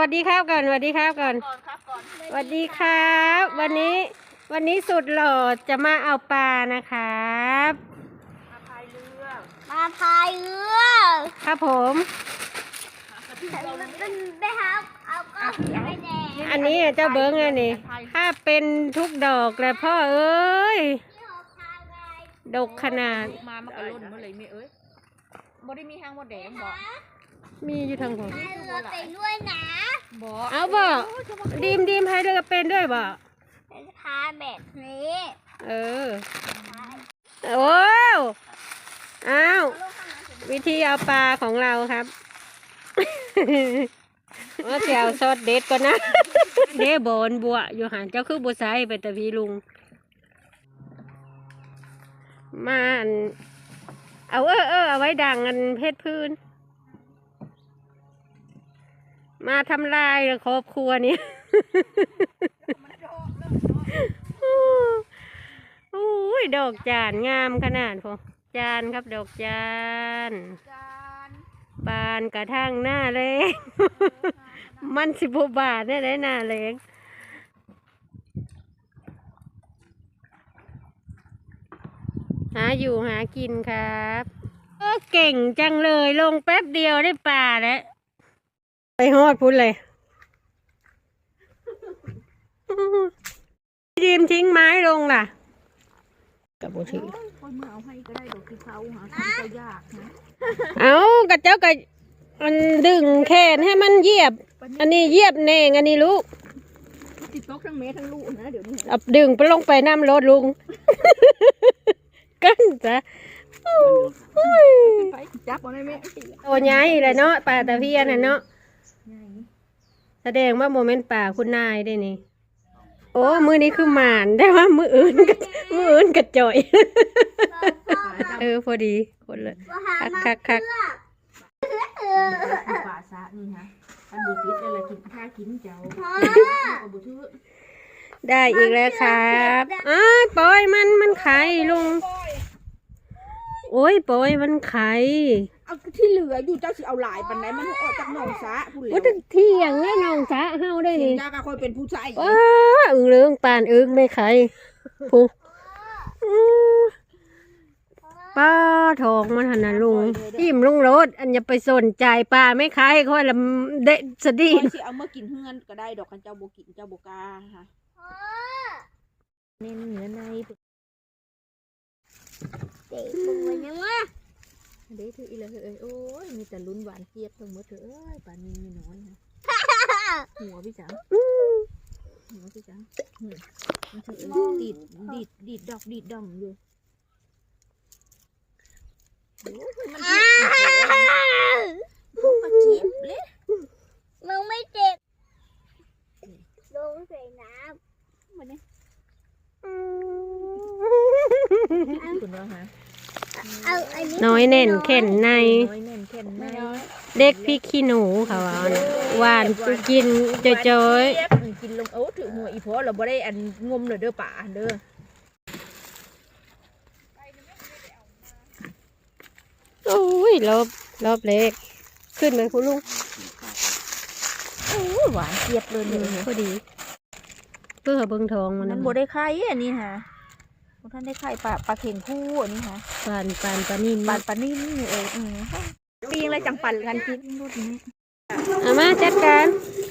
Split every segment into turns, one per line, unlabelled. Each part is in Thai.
สดีครับก่อนสวัสดีครับก่อนสวัสดีครับ วันนี้สุดหล่อจะมาเอาปลานะครับ
มาพายเรือ
ครับผม
ไปหาเอาก็ไปแดง
อันนี้เจ้าเบิ้งอันนี้ถ้าเป็นทุกดอกเลยพ่อเอ้ยดกขนาด
มันก็ล้นมาเลยแม่เอ้ยบ่ได้มีหางมดแดงบ่
มีอยู่ทางผม
ให้เรือไปด้วยนะ
บ่
เอาบ่ดีมให้เรือเป็นด้วยบ่
เป็นพาแบบนี้
โอ้อ้าววิธีเอาปลาของเราครับว่าเสียวซอสเด็ดก่อนนะเด้บอนบัวอยู่หันเจ้าคือบัวไซไปแต่พี่ลุงมาเอาเอาไว้ดังกันเพชรพื้นมาทำลายครอบครัวนี้โอ้ยดอกจานงามขนาดพอจานครับดอกจานบานกระทั่งหน้าแรงมัน10 บาทได้หน้าแรงหาอยู่หากินครับเก่งจังเลยลงแป๊บเดียวได้ปลาแล้วไปฮอดพุ่นเลยดีมทิ้งไม้ลงล่ะกับบุตร
คนมาเอาให้ก็ได้ดอกที่เขาหาทำก็ยากนะ
เอากระเจ้ากระมันดึงแขนให้มันเหยียบอันนี้เหยียบเน่งอันนี้ลูก
ติดตกทั้งเมทั้งลูกนะเดี๋ยวนี้
เอาดึงไปลงไปน้ำรถลุงกันจ้ะ
ไปจับเอาได้ไหม
โอ้ยายเลยเนาะป่าตะเพียนน่ะเนาะแสดงว่าโมเมนต์ป่าคุณนายได้นี่โอ้มือนี้คือหมานได้ว่ามืออื่นกระจ่อยพอดีคนเลยคัก
ป่าซะนี่ฮะอันบุตรอะไรกินข้ากินเจ้าบุตร
ได้อีกแล้วครับปล่อยมันไข่ลุงโอ้ยปล่อยมันไข่
เอาที่เหลืออยู่เจ้าสิเอาหลายปันไหนมันออกจากหนองซะพูดเลย
ว่าที่อย่างนี้น้องซะเฮาได้นี่
ยากะคอยเป็นผู้ชาย
ว้าเรื่องปานไม่ไข่ผู้ป้าทองมันหันนะลุงอิ่มลุงรถอันอย่าไปสนใจปลาไม่ไข่ค่อยละเด็ดสดี
สิเอาเมื่อกินเฮือนก็ได้ดอกกันเจ้าโบกินเจ้าโบกาค่ะเน้นเนื้อใน
เด็กบุญยังวะ
เด็กถืออีเลยโอ้ยมีแต่ลุ้นหวานเจี๊ยบทั้งหมดเถอะป่านนี้มีน้อยนะหัวพี่จังมันถือดีดดอกดีดดองอยู่มันเจ็บเลย
มึงไม่เจ็บลงใส่น้ำ
มันนี่คุณว่าฮะ
น้อยเน่นเข็นในเด็กพี่ขี้หนูเขาหวานกินจอย
กินลงถือหัวอีพอเราบ่ได้อันงมเลยเด้อป่าเด้อ
โอ้ยรอบเล็กขึ้นไหมคุณลุง
หวานเจี๊ยบเลย
พอดีเพื่อเบิ้งทอง
มันบ่ได้ไข่อันนี้ฮะท่านได้ไข่ปลาเข่งคู่อันนี้ฮะ
ปลานิ่ม
นี่ปีงอะไรจังปั่นกันกินรุ่นนี้
มาจัดการ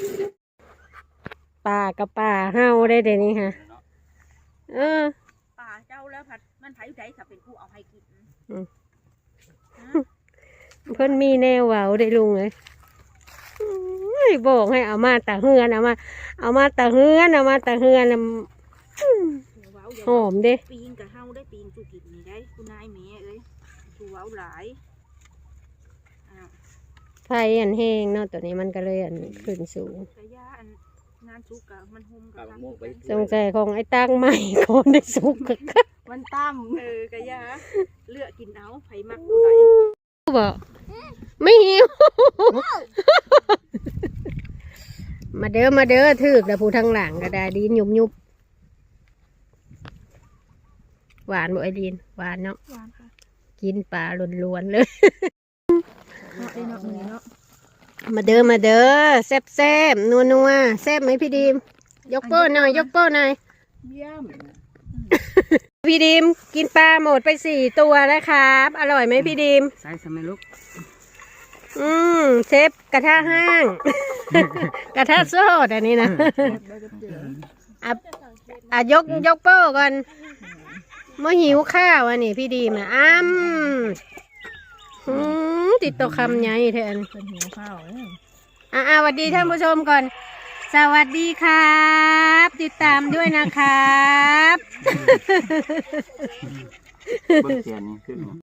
ปลากับปลาเฮาได้เดี๋ยวนี้ฮะ
ปลาเจ้าแล้วผัดมันไผ่ใจถ้าเป็นผู้เอาให้กิน
เพิ่นมีแนวเว้าได้ลุงเลยบอกให้เอามาตะเฮือนเอามาตะเฮือนหอมเด้
ปีงกับเฮาได้ปีงจูกินนี่ได้คุณนายแม่เอ้ยจูเว้าหลาย
ไฟอันแห้งเนาะตัวนี้มันก็เลยอันขึ้นสูง
งานสุกกับมันห่มกับ
สงสัยของไอ้ตั้งใหม่คนได้สุก
มันตั้มกะยาเลือกกินเอาไผ่มักตัวไหน
บอกไม่หิวมาเด้อถือแต่ผู้ทางหลังก็ได้ดีนยุบหวานบ่ไอดีนหวานเนาะ
หวานค่ะ
กินปลาล้วนๆเลย
เนาะ
มาเด้อมาเด้อแซ่บแซ่บนัวนัวแซ่บไหมพี่ดีมยกโป้หน่อยยกโป้หน่อย
เยี่ยม
พี่ดีมกินปลาหมดไป4 ตัวแล้วครับ อร่อยไหมพี่ดีม
ใส่สมัยลูก
เชฟกระทะห้าง กระทะโซดอันนี้นะ ยกโป้ก่อนเมื่อหิวข้าวอันนี้พี่ดีมนะติดตัวคำใหญ่แทน
เป็นหิวข้าวเอ้ย
สวัสดีท่านผู้ชมก่อน สวัสดีครับ ติดตามด้วยนะครับ
เบิ่งเสียนนี่ขึ้น